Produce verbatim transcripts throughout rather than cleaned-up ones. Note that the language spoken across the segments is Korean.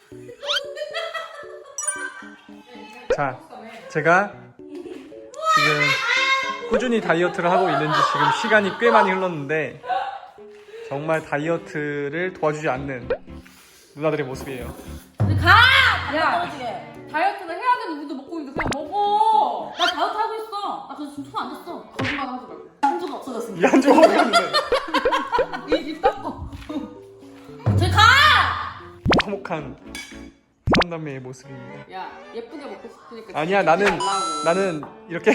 자, 제가 지금 꾸준히 다이어트를 하고 있는지 지금 시간이 꽤 많이 흘렀는데 정말 다이어트를 도와주지 않는 누나들의 모습이에요. 가! 야! 다이어트를 해야 되는 우리도 먹고 있는데 그냥 먹어! 나 다이어트 하고 있어! 나 그래서 지금 손 안 댔어. 거짓말 하지 말고. 한조가 없어졌습니다. 이 한쪽 어디 갔는데? 입 닦어. 저기 가! 화목한 삼남매의 모습입니다. 야, 예쁘게 먹고 싶으니까. 아니야, 나는 말라고. 나는 이렇게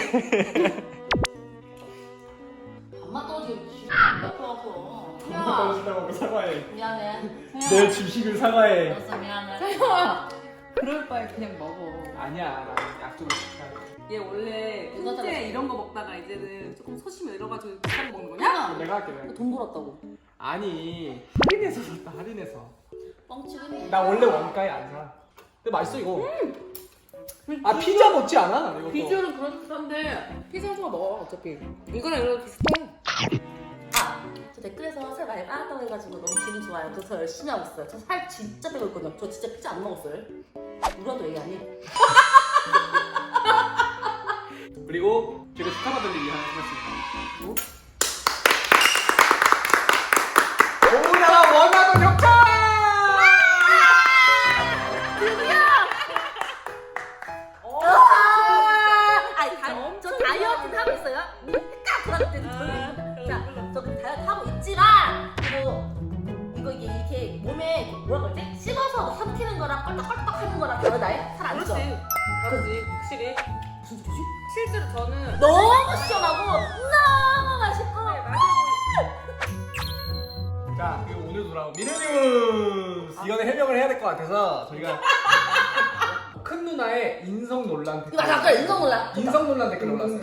밥맛 떨어지게 안 닦아서. 떨어진다고 사과해. 미안해. 내 주식을 사과해. 알았어, 미안해. 세영아! 그럴 바에 그냥 먹어. 아니야, 나는 약속을 지켜야 돼. 얘 원래 누가 훈제 잘랐어? 이런 거 먹다가 이제는 조금 소심해 이래가지고 비싼 거 먹는 거냐? 내가 할게. 내가. 돈 벌었다고. 아니 할인해서 샀다. 할인해서. 뻥치겠네. 나 원래 원가에 안 사. 근데 맛있어 이거. 아 피자 먹지 않아? 이것도. 비주얼은 그렇던데 피자 좋아 먹어 어차피. 이거랑 이거랑 비슷해. 아, 저 댓글에서 살 많이 빠졌다고 해가지고 너무 기분 좋아요. 저, 저 열심히 하고 있어요. 저 살 진짜 빼고 있거든요. 저 진짜 피자 안 먹었어요. 누구랑도 얘기 안 해. 그리고 제가 축하받을 일이 하나 생겼습니다. 오나라 원화도 격차! 아니, 다, 저 다이어트 하고 있어요. 딱 그럴 자, 저 그럼 다이어트 하고 있지만 이거 이거 이게 이렇게 몸에 뭐라 그러지? 씹어서 삼키는 거랑 껄떡껄떡 하는 거랑 다르다. 살안 쪄. 그렇지. 다르지 확실히. 무슨 소리지? 실제로 저는 너무 시원하고 너무 맛있고. 네, 맞아요. 자, 그리고 오늘 돌아온 미래뉴스! 이거는 해명을 해야 될 것 같아서 저희가 큰 누나의 인성 논란 댓글. 이거 아까 인성 논란. 인성 논란 댓글 올랐어요.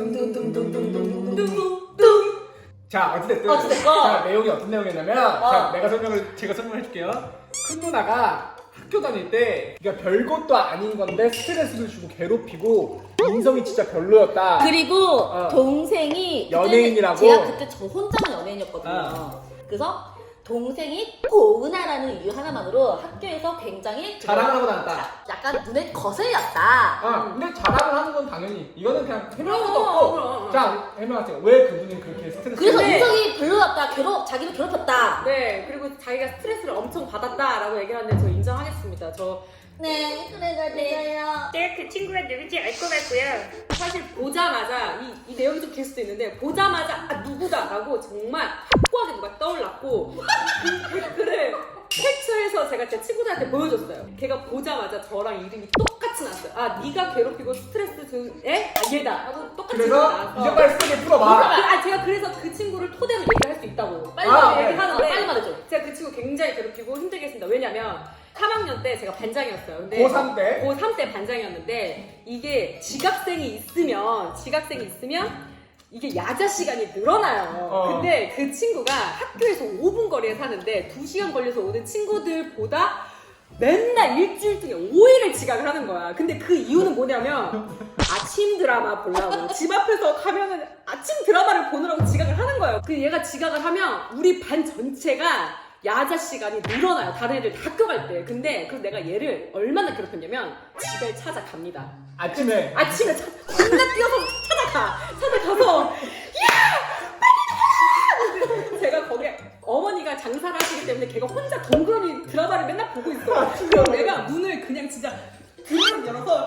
둥둥둥둥둥둥둥둥둥둥. 자, 어찌됐든. 어찌됐건. 자, 내용이 어떤 내용이었냐면, 어. 자, 내가 설명을, 제가 설명해 줄게요. 큰 누나가 학교 다닐 때, 그러니까 별것도 아닌 건데 스트레스를 주고 괴롭히고, 인성이 진짜 별로였다. 그리고 어. 동생이 연예인이라고? 그때는 제가 그때 저 혼자만 연예인이었거든요. 어. 그래서 동생이 고은아라는 이유 하나만으로 학교에서 굉장히 자랑을 하고 다녔다. 약간 눈에 거슬렸다. 아, 근데 자랑을 하는 건 당연히, 이거는 그냥 해명할 수도 그럼, 없고. 그럼. 자, 해명하세요. 왜 그분이 그렇게 스트레스 그래서 근데- 인성이 별로였다. 괴롭 자기를 괴롭혔다. 네 그리고 자기가 스트레스를 엄청 받았다라고 얘기하는데 저 인정하겠습니다. 저 네, 그래가 돼요. 네, 그 친구가 누군지 알 것 같고요. 사실 보자마자 이, 이 내용이 좀 길 수도 있는데 보자마자 아 누구다라고 정말 확고하게 누가 떠올랐고 그 댓글을 캡처해서 제가 제 친구들한테 보여줬어요. 걔가 보자마자 저랑 이름이 똑같이 나왔어요. 아 네가 괴롭히고 스트레스 준 애? 아 얘다 하고 똑같이 그래서 나왔어. 이제 빨리 쓰게 풀어봐. 아 제가 그래서 그 친구를 토대로 얘기할 수 있다고 빨리 아, 네. 얘기하는데 빨리 말해줘. 제가 그 친구 굉장히 괴롭히고 힘들게 했습니다. 왜냐면 삼 학년 때 제가 반장이었어요. 근데 고삼 때? 고삼 때 반장이었는데 이게 지각생이 있으면 지각생이 있으면 이게 야자 시간이 늘어나요. 어. 근데 그 친구가 학교에서 오 분 거리에 사는데 두 시간 걸려서 오는 친구들보다 맨날 일주일 중에 오 일을 지각을 하는 거야. 근데 그 이유는 뭐냐면 아침 드라마 보려고 집 앞에서 가면은 아침 드라마를 보느라고 지각을 하는 거예요. 그 얘가 지각을 하면 우리 반 전체가 야자 시간이 늘어나요. 다른 애들 다 학교 갈 때. 근데 그래서 내가 얘를 얼마나 괴롭혔냐면 집에 찾아갑니다. 아침에. 아침에 차, 겁나 뛰어서 찾아가. 찾아가서 야! 빨리 나와! 제가 거기에 어머니가 장사를 하시기 때문에 걔가 혼자 덩그러니 드라마를 맨날 보고 있어. 그럼 내가 문을 그냥 진짜 드럼 열어서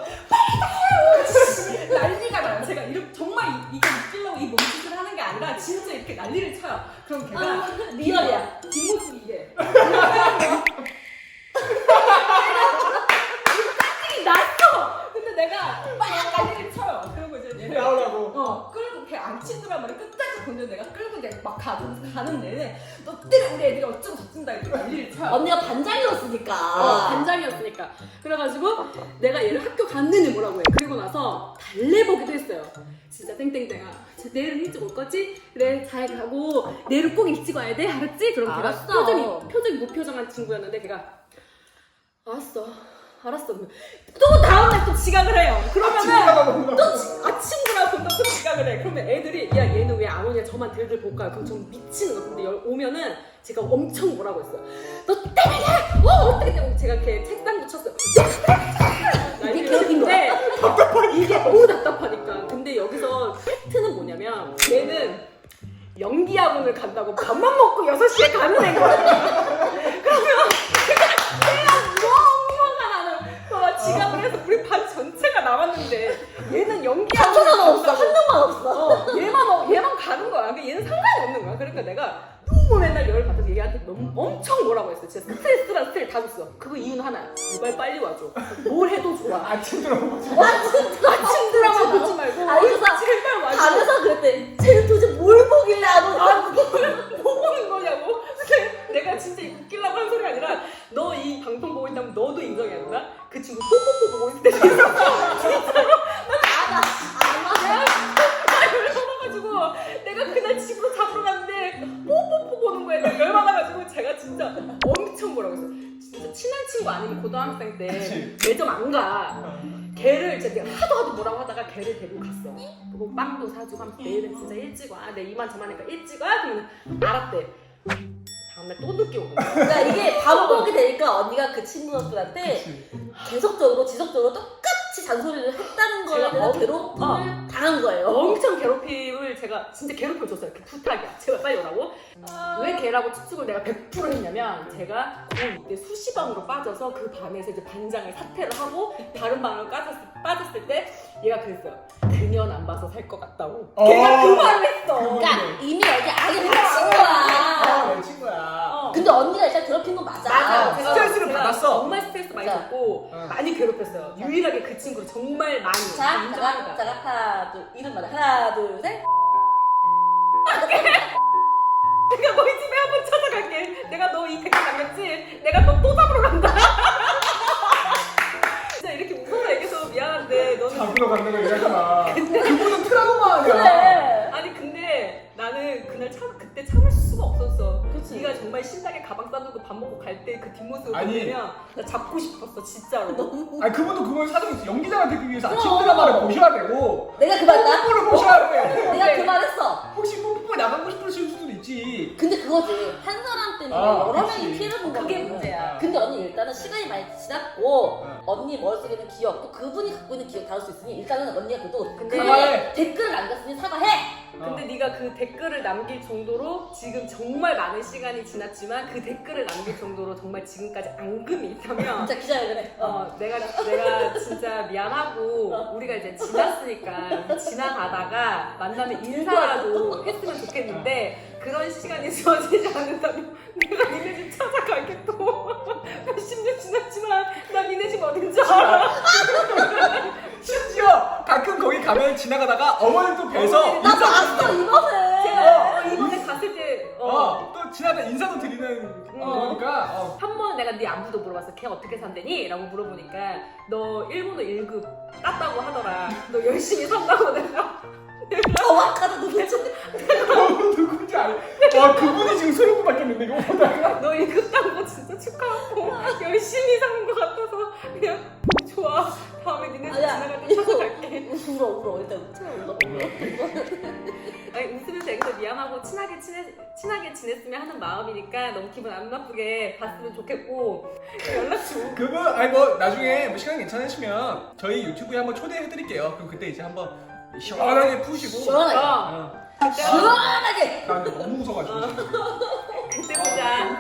빨리 나와! 난리가 나요. 제가 이렇게 정말 이- 이거 웃기려고 이 몸짓을 하는 게 아니라 진짜 이렇게 난리를 쳐요. 그럼 걔가 아, 리얼이야. 뒷모습이 이게 짜증이 났어! 근데 내가 막 난리를 쳐요. 그리고 이제 얘를 나오라고. 어, 끌고 걔 안 친구라면 끝까지 건져 내가 끌고 이제 막 가, 가는 내내 너 때문에 우리 애들이 어쩌고 저쩐다 이렇게 난리를 쳐요. 언니가 반장이었으니까. 어, 반장이었으니까. 그래가지고 내가 얘를 학교 갔느니 뭐라고 해. 그리고 나서 달래보기도 했어요. 진짜 땡땡땡아. 내일은 일찍 올 거지? 그래 잘 가고 내일은 꼭 일찍 와야 돼? 알았지? 그럼 걔가 알았어. 표정이 표정이 무표정한 친구였는데 걔가 알았어. 알았어. 또 다음날 또 지각을 해요. 그러면은 또 지, 아침 드라마 본다고 또 지각을 해. 그러면 애들이 야 얘는 왜 안 오냐 저만 들들 볼까요? 그럼 전 미치는 거. 근데 여- 오면은 제가 엄청 뭐라고 했어요. 너 때문에 어 어떻게 때문에 제가 이렇게 책상 붙였어요. 간다고 밥만 먹고 여섯 시에 가는 애거든. 그러면 내가 너무 화가 나는 거야. 지각을 해서 우리 반 전체가 남았는데 얘는 연기하는 한 명만 없어. 거야. 한 명만 없어. 어, 얘만 어, 얘만 가는 거야. 근데 얘는 상관이 없는 거야. 그러니까 내가 너무 맨날 열을 받아서 얘한테 너무 엄청 뭐라고 했어. 진짜 스트레스랑 스트레스 다 줬어. 그거 이유는 하나야. 제발 빨리 와줘. 뭘 해도 좋아. 아침 들어보지. 아침 드라마 보지 말고 아, 그래서 제발 와줘. 가면서 그랬대. 쟤는 도대체 뭘 보길래 안 오지? 아, 뭘 보고는 거냐고. 근데 내가 진짜 이거 웃기려고 한 소리가 아니라 너 이 방송 보고 있다면 너도 인정해야 된다. 그 친구 뽀뽀뽀 보고 있을 때 진짜로 아나 아나. 내가 열받아가지고 내가 그날 집으로 잡으러 갔는데 뽀뽀뽀 보는 거에 내가 열받아가지고 제가 진짜 엄청 뭐라고 했어. 진짜 친한 친구 아니면 고등학생 때 그치. 매점 안 가. 걔를 이제 내가 하도 하도 뭐라고 하다가 걔를 데리고 갔어. 그리고 빵도 사주고 하면서 내일은 진짜 일찍 와. 내 이만 저만하니까 일찍 와. 그러면 알았대. 다음날 또 늦게 오는 거야. 그러니까 이게 반복이 되니까 언니가 그 친구들한테 그치. 계속적으로 지속적으로 똑같이 잔소리를 했다는 거에 제가 대해서 엄- 괴롭힘을 어. 당한 거예요. 엄청 괴롭힘을 제가 진짜 괴롭힘을 줬어요. 그 부탁이야. 제발 빨리 오라고. 왜 걔라고 추측을 내가 백 퍼센트 했냐면 제가 고이 때 수시방으로 빠져서 그 밤에서 이제 반장을 사퇴를 하고 다른 방으로 빠졌, 빠졌을 때 얘가 그랬어요. 그년 안 봐서 살 것 같다고. 어. 걔가 그 말을 했어. 그러니까 이미 여기 악에 갇힌 거야. 내 친구야. 어. 근데 언니가 일단 괴롭힌 건 맞아. 맞아. 제가- 스트레스를 제가 받았어. 정말 스트레스 많이 맞아. 받고 어. 많이 괴롭혔어요. 유일하게 그 친구를 정말 많이. 자, 자가, 인정합니다. 자가 하나, 둘, 이름 말해. 하나, 둘, 셋. 내가 너희 집에 한번 찾아갈게. 내가 너 이 댓글 남겼지? 내가 너 또 잡으러 간다. 진짜 이렇게 웃어서 얘기해서 미안한데 너는 잡으러 간다고 얘기하지 마. 그분은 트라우마 아니야. 그래. 아니 근데 나는 그날 참 그때 참을 수가 없었어. 그치. 네가 정말 신나게 가방 싸들고 밥 먹고 갈 때 그 뒷모습을 아니. 보면 나 잡고 싶었어 진짜로. 너무. 아니 그분도 그걸 사정했어. 연기자가 되기 위해서 아침 그럼. 드라마를 보셔야 되고 내가 그 말했다? 뽀뽀를 보셔야 돼. 내가 그 말했어. 혹시 뽀뽀 나가고 싶으실 수도 있지. 근데 그거지. 한 사람 때문에 아, 여러 그치. 명이 피해를 본 그게 거거든. 문제야. 근데 언니 일단은 시간이 많이 지났고 어. 언니 머릿속에는 기억 또 그분이 갖고 있는 기억 다를 수 있으니 일단은 언니가 그래도 근데 그분이 댓글을 남겼으니 사과해. 근데 네가 그 댓글을 남길 정도로 지금 정말 많은 시간이 지났지만 그 댓글을 남길 정도로 정말 지금까지 앙금이 있다면 진짜 기자회견해. 어. 어, 내가 내가 진짜 미안하고 우리가 이제 지났으니까 지나가다가 만나면 인사라도 했으면 좋겠는데 그런 시간이 주어지지 않는다면 내가 니네 집 찾아가겠고 몇십 년 지났지만 나 니네 집 어딘지 알아. 심지어 가끔 거기 가면 지나가다가 어머니도 뵈서 나 봤어 이번에. 제가 어, 이번에 갔을 때 어, 어, 또 지나다 인사도 드리는 어. 거니까 어. 한 번 내가 네 안부도 물어봤어. 걔 어떻게 산대니? 라고 물어보니까 너 일본어 일 급 땄다고 하더라. 너 열심히 산다고 내가. 정확하다 도대체. 어, 누군지 알. 와 그분이 지금 소름 돋았겠는데 이거 보다가. 너 일 급 딴 거 진짜 축하하고 열심히 사는 것 같아서 그냥 좋아. 다음에 니네 집 아니야, 지나갈 때 이거- 찾아갈게. 울어 울어 일단 울어 울어 울어. 아니 웃으면서 여기서 미안하고 친하게 친해, 친하게 지냈으면 하는 마음이니까 너무 기분 안 나쁘게 봤으면 좋겠고 연락 줘. 그분 아니 뭐 나중에 뭐 시간 괜찮으시면 저희 유튜브에 한번 초대해드릴게요. 그럼 그때 이제 한번 시원하게 푸시고. 시원하게. 어, 어. 그때, 시원하게. 나 근데 너무 무서워가지고. 그때 보자.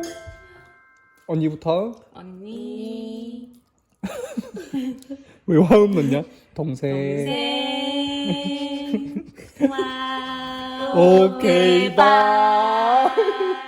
언니부터. 언니. 왜 화음 넣냐? 동생. 네. 와. 오케이 바이.